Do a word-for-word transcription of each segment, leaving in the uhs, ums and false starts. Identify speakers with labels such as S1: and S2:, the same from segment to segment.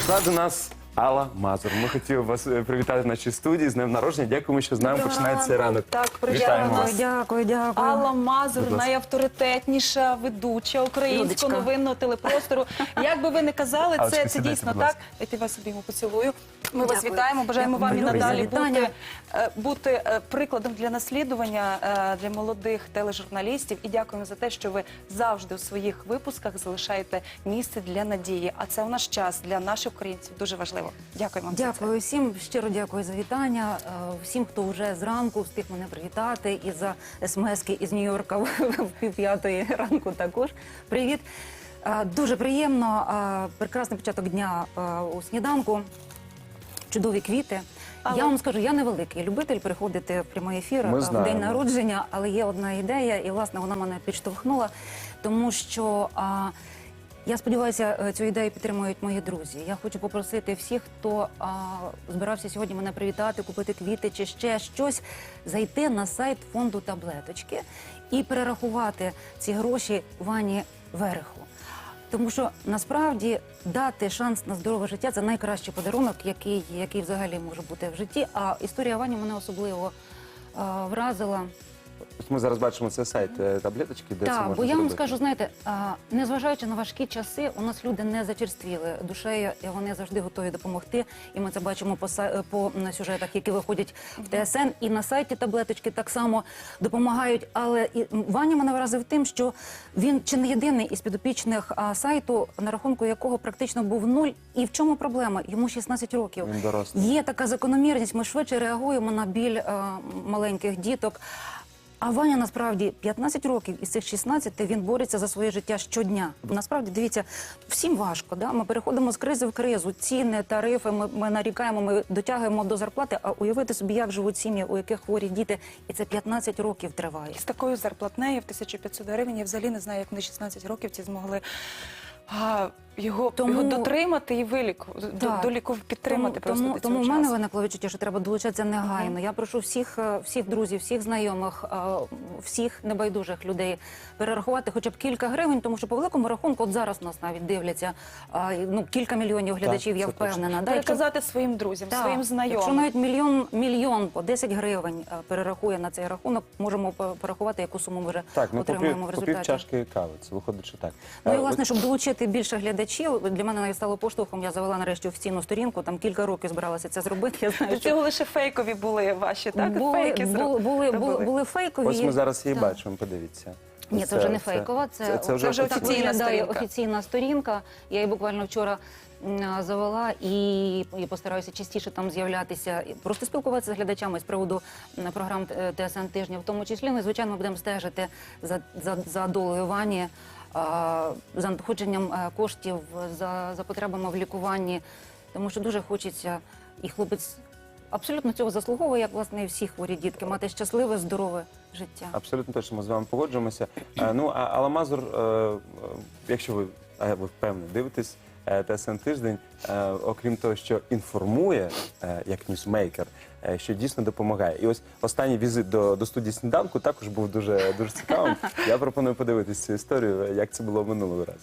S1: Прийшла до нас Алла Мазур. Ми хотіли вас привітати в нашій студії з днем народження. Дякуємо, що з нами починається цей ранок.
S2: Так,
S1: Вітаємо вас.
S3: Дякую, дякую.
S2: Алла Мазур, найавторитетніша ведуча українського
S3: Людочка.
S2: новинного телепростору. Як би ви не казали,
S1: Аллочка,
S2: це, це
S1: сідайте,
S2: дійсно
S1: будь
S2: так.
S1: ласка.
S2: Я тебе собі йому поцілую. Ми вас
S3: Дякую.
S2: вітаємо, бажаємо вам і
S3: Дякую.
S2: надалі
S3: Дякую.
S2: бути, е, бути е, прикладом для наслідування е, для молодих тележурналістів. І дякуємо за те, що ви завжди у своїх випусках залишаєте місце для надії. А це у наш час для наших українців дуже важливо. Дякуємо вам за це.
S3: Дякую всім, щиро дякую за вітання. Е, Всім, хто вже зранку встиг мене привітати, і за смски із Нью-Йорка в півп'ятої ранку також. Привіт. Е, Дуже приємно. е, Прекрасний початок дня е, у сніданку. Чудові квіти.
S2: Але-
S3: Я вам скажу, я не великий любитель приходити в прямий ефір
S1: Ми
S3: е, в
S1: знаємо.
S3: день народження, але є одна ідея, і, власне, вона мене підштовхнула, тому що... а, Я сподіваюся, цю ідею підтримують мої друзі. Я хочу попросити всіх, хто а, збирався сьогодні мене привітати, купити квіти чи ще щось, зайти на сайт фонду «Таблеточки» і перерахувати ці гроші Вані Вереху. Тому що, насправді, дати шанс на здорове життя – це найкращий подарунок, який, який взагалі може бути в житті. А історія Вані мене особливо а, вразила.
S1: Ось ми зараз бачимо цей сайт е, таблеточки, де це
S3: Так,
S1: можна
S3: бо я вам
S1: зробити.
S3: скажу, знаєте, а, незважаючи на важкі часи, у нас люди не зачерствіли душею, і вони завжди готові допомогти. І ми це бачимо по, са- по м, сюжетах, які виходять в Т С Н. І на сайті таблеточки так само допомагають. Але і, м, Ваня мене вразив тим, що він чи не єдиний із підопічних а, сайту, на рахунку якого практично був нуль. І в чому проблема? Йому шістнадцять років.
S1: Він дорослий.
S3: Є така закономірність, ми швидше реагуємо на біль а, маленьких діток. А Ваня, насправді, п'ятнадцять років із цих шістнадцяти він бореться за своє життя щодня. Насправді, дивіться, всім важко, да? Ми переходимо з кризи в кризу, ціни, тарифи, ми, ми нарікаємо, ми дотягуємо до зарплати, а уявити собі, як живуть сім'ї, у яких хворі діти, і це п'ятнадцять років триває.
S2: З такою зарплатнею в тисячу п'ятсот гривень я взагалі не знаю, як вони шістнадцять років ці змогли а, його,
S3: Тому-
S2: його дотримати і виліку, до,
S3: Так.
S2: до ліку підтримати
S3: Тому,
S2: просто
S3: тому,
S2: до цього
S3: тому в
S2: часу.
S3: мене виникло відчуття, що треба долучатися негайно. Я прошу всіх, е, всіх друзів, всіх знайомих, е, всіх небайдужих людей перерахувати хоча б кілька гривень, тому що по великому рахунку, от зараз нас навіть дивляться а, ну, кілька мільйонів глядачів,
S1: Так,
S3: я
S1: це
S3: впевнена. Да? Якщо-
S2: Переказати своїм друзям,
S3: Так,
S2: своїм
S3: Якщо
S2: знайомим.
S3: навіть мільйон, мільйон по десять гривень е, перерахує на цей рахунок, можемо по- порахувати, яку суму ми вже
S1: Так, ну
S3: отримуємо в
S1: попів, попів
S3: результаті.
S1: чашки кави, це виходить, що так.
S3: Ну і,
S1: Е,
S3: власне,
S1: от-
S3: щоб долучити більше глядачів, для мене навіть стало поштовхом, я завела нарешті офіційну сторінку, там кілька років збиралася це зробити. Я знаю,
S2: До цього лише фейкові були ваші, так?
S3: були,
S2: Фейки
S3: були,
S2: зроб-
S3: були,
S2: робили.
S3: були, були фейкові.
S1: Ось ми зараз її
S3: Так.
S1: бачимо, подивіться.
S3: Ні, це вже не фейкова, це,
S1: це, це вже
S2: це вже
S3: так
S2: офіційна
S3: виглядає
S2: сторінка.
S3: офіційна сторінка. Я її буквально вчора м, завела і, і постараюся частіше там з'являтися, і просто спілкуватися з глядачами з приводу м, програм е, Т С Н тижня, в тому числі. Ну, звичайно, ми будемо стежити за, за, за долею Вані, а, за надходженням е, коштів, за, за потребами в лікуванні, тому що дуже хочеться, і хлопець абсолютно цього заслуговує, як, власне, і всі хворі дітки, мати щасливе, здорове життя.
S1: Абсолютно точно, ми з вами погоджуємося. Е, Ну, а Алла Мазур, е, е, якщо ви, а ви впевнені, дивитесь е, Т С Н тиждень, е, окрім того, що інформує, е, як ньюсмейкер, е, що дійсно допомагає. І ось останній візит до, до студії «Сніданку» також був дуже, дуже цікавим. Я пропоную подивитись цю історію, як це було минулого разу.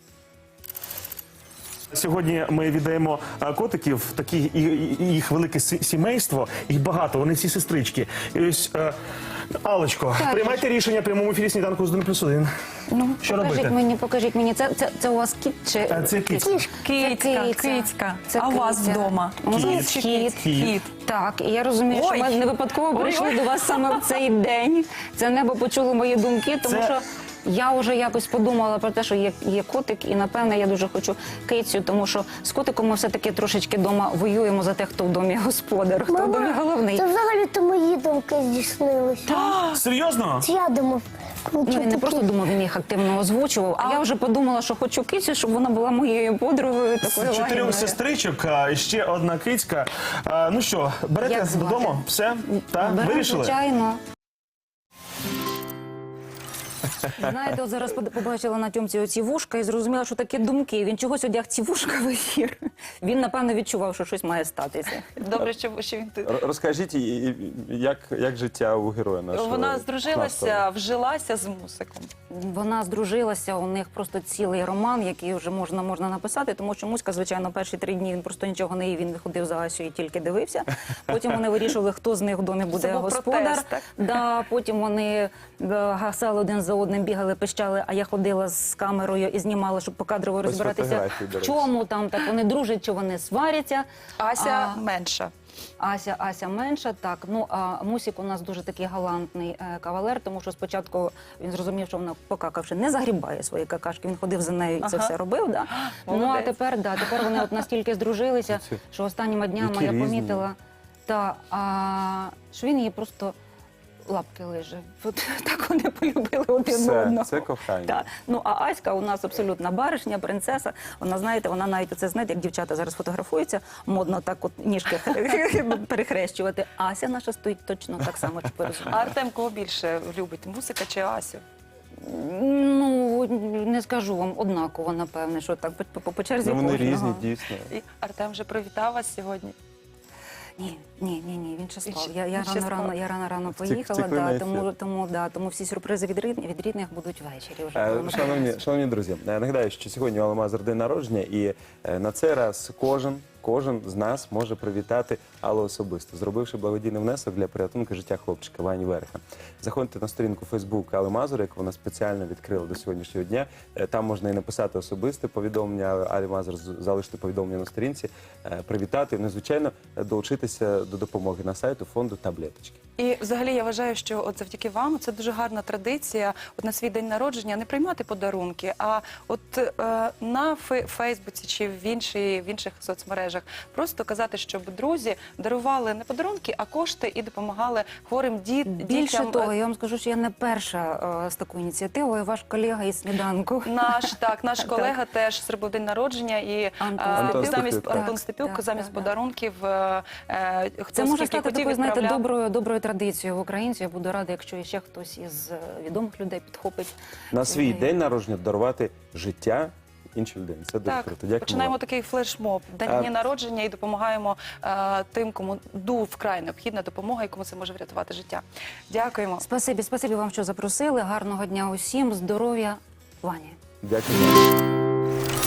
S4: Сьогодні ми віддаємо а, котиків, такі і- і- і їх велике сі- сімейство, їх багато, вони всі сестрички. І ось, е, Аллочко,
S3: Так.
S4: приймайте рішення в прямому ефірі «Сніданку з один плюс один».
S3: Ну,
S4: Що
S3: покажіть
S4: робити?
S3: мені, покажіть мені. Це, це, це у вас кіт чи
S4: Е, це кіт.
S2: Кицька,
S3: Це
S2: кицька.
S3: Це
S2: А у вас
S3: киця.
S2: вдома?
S3: У нас
S4: Кіт.
S3: кіт.
S4: Кіт.
S2: Кіт.
S3: Так, і я розумію,
S2: Ой.
S3: що ми не випадково
S2: Ой,
S3: прийшли
S2: ой.
S3: до вас саме в цей день. Це небо почуло мої думки, тому
S4: Це-
S3: що я вже якось подумала про те, що є, є котик, і напевне я дуже хочу кицю, тому що з котиком ми все-таки трошечки вдома воюємо за те, хто в домі господар, хто в домі головний.
S5: Це взагалі-то мої думки здійснилися.
S4: Серйозно?
S5: Це я думав,
S3: Ну, він не
S5: включити
S3: просто думав, він їх активно озвучував, а я вже подумала, що хочу кицю, щоб вона була моєю подругою, такою
S4: З чотирьох
S3: лагідною.
S4: сестричок, а, і ще одна кицька. А, Ну що, берете
S3: Як звати?
S4: додому? Все? Так?
S3: Беремо,
S4: Вирішили?
S3: звичайно. Знаєте, от зараз под- побачила на тьомці оці вушка і зрозуміла, що такі думки. Він чогось одяг ці вушка в ефір. Він, напевно, відчував, що щось має статися.
S2: Добре, що, що він тут.
S1: Р- Розкажіть, і- і- як, як життя у героя нашого?
S2: Вона здружилася,
S1: нашого?
S2: вжилася з мусиком.
S3: Вона здружилася, у них просто цілий роман, який вже можна, можна написати, тому що Муська, звичайно, перші три дні він просто нічого не їв, він виходив за Асю і тільки дивився. Потім вони вирішили, хто з них в домі буде
S2: Це був
S3: господар.
S2: протест, так?
S3: Да, потім вони е, гасали один за одним, бігали, пищали, а я ходила з камерою і знімала, щоб покадрово розбиратися,
S1: фотографії, до
S3: в
S1: речі.
S3: чому там так вони дружать, чи вони сваряться.
S2: Ася
S3: А,
S2: менша.
S3: Ася, Ася менша, так. Ну, а Мусік у нас дуже такий галантний е, кавалер, тому що спочатку він зрозумів, що вона, покакавши, не загрібає свої какашки. Він ходив за нею і це
S2: Ага.
S3: все робив. Да. Ну, а
S2: Молодець.
S3: тепер, да, тепер вони от настільки здружилися,
S1: Ці-
S3: що останніми днями
S1: які
S3: я
S1: різні.
S3: помітила, та, а, що він її просто лапки лиже. От так вони полюбили один
S1: Все,
S3: одного.
S1: це кохання.
S3: Так. Ну, а Аська у нас абсолютна баришня, принцеса. Вона, знаєте, вона навіть оце, знаєте, як дівчата зараз фотографуються, модно так от ніжки перехрещувати. Ася наша стоїть точно так само, чи
S2: А
S3: порозуміє.
S2: Артем кого більше любить? Мусика чи Асю?
S3: Ну, не скажу вам однаково, напевне, що так по, по, по черзі
S1: Ну, вони
S3: кожного.
S1: різні, дійсно.
S2: І Артем вже привітав вас сьогодні.
S3: Ні, ні, ні, ні, він ще
S2: Він
S3: спав.
S2: ще-
S3: Я, я
S2: він ще
S3: рано,
S2: спав.
S3: рано, я рано, рано
S1: Втік-
S3: поїхала,
S1: втекли на
S3: да,
S1: ефір.
S3: тому, тому, да, тому всі сюрпризи від рідних, від рідних будуть ввечері вже. коли
S1: Е,
S3: ми
S1: Шановні,
S3: повернемося.
S1: шановні друзі, е, нагадаю, що сьогодні у Алмазер день народження, і е, на цей раз кожен, кожен з нас може привітати Аллу особисто, зробивши благодійний внесок для порятунку життя хлопчика Вані Верха. Заходьте на сторінку Фейсбук Алли Мазур, яку вона спеціально відкрила до сьогоднішнього дня. Е, Там можна і написати особисте повідомлення Алі Мазур, з- залишити повідомлення на сторінці, е, привітати, ну, і, звичайно, е, долучитися до допомоги на сайту фонду Таблеточки.
S2: І взагалі я вважаю, що от завдяки вам це дуже гарна традиція. От на свій день народження не приймати подарунки, а от е, на фе- Фейсбуці чи в, інші, в інших соцмережах просто казати, щоб друзі дарували не подарунки, а кошти і допомагали хворим діт,
S3: Більше
S2: дітям.
S3: того, я вам скажу, що я не перша е, з такою ініціативою, ваш колега із сніданку.
S2: Наш так, наш колега теж зробив день народження і
S3: Антон
S2: е,
S1: Степюк.
S2: замість
S1: Так,
S2: Антон
S3: так,
S2: Степюк,
S3: так,
S2: замість
S3: так,
S2: подарунків е, е, хто
S3: Це може
S2: скільки
S3: стати
S2: хотів,
S3: такою, знаєте,
S2: відправляв.
S3: доброю, доброю традицією в українців. Я буду рада, якщо ще хтось із е, відомих людей підхопить.
S1: На
S3: цю
S1: свій
S3: ідею.
S1: день народження дарувати життя іншій людині. Це дуже
S2: Так,
S1: круто. Дякую
S2: починаємо
S1: вам.
S2: такий флешмоб, день
S1: А-
S2: дні народження і допомагаємо е, тим, кому ду вкрай необхідна допомога і кому це може врятувати життя. Дякуємо.
S3: Спасибі, спасибі вам, що запросили. Гарного дня усім, здоров'я, Вані.
S1: Дякую.